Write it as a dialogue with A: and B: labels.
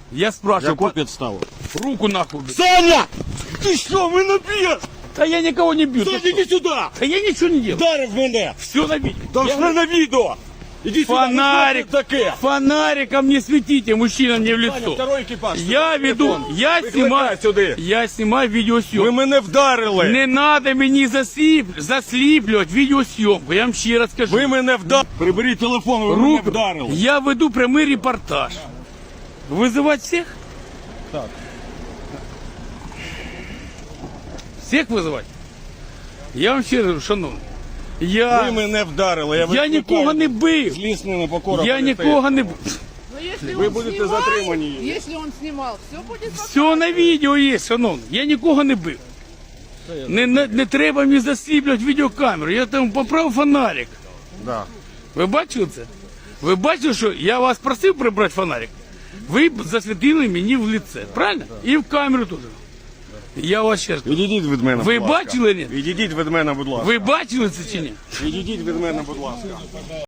A: Я спрашиваю,
B: Яку підставу?
A: руку нахуй.
B: Саня! Ти що, мене б'єш?
A: Да я никого не бью.
B: Саня, іди сюди!
A: Да я ничего не делаю.
B: Вдарив мене!
A: Все на видео.
B: Там ж не на відео! Іди сюди,
A: Фонарик,
B: ну, що це таке?
A: фонариком не светите, мужчина, мне в
B: Саня,
A: лицо.
B: второй екіпаж.
A: Я веду, я
B: Викликай
A: снимаю,
B: сюди.
A: я снимаю
B: Ви
A: видеосъемку.
B: мене вдарили!
A: Не надо мені засліплювати відеосйомку, я вам ще раз скажу.
B: Ви мене вдарили! Приберіть телефон, ви мене вдарили!
A: Я веду прямий репортаж. Вызывать всех?
B: Так.
A: Всех вызывать? Я вам ще раз кажу, шановний.
B: Ви
A: Я
B: мене вдарили! Я
A: нікого
B: викликаю
A: не бив.
B: злісне непокора.
A: Я нікого не бив.
C: Но если
B: Вы
C: он
B: будете
C: снимает,
B: затримані.
C: Если он снимал, все будет
A: Все на відео є, шановний. Я нікого не бив. Не треба мені засліплювати відеокамеру. Я там поправив фонарик.
B: Да.
A: Ви бачили це? Ви бачили, що я вас просив прибрати фонарик? Ви б засвітили мені в лице, правильно? І в камеру теж. Я вас ще раз кажу.
B: Відійдіть від мене,
A: Ви
B: будь ласка.
A: бачили, ні?
B: Відійдіть від мене, будь ласка.
A: Ви бачили це чи ні?
B: Відійдіть від мене, будь ласка.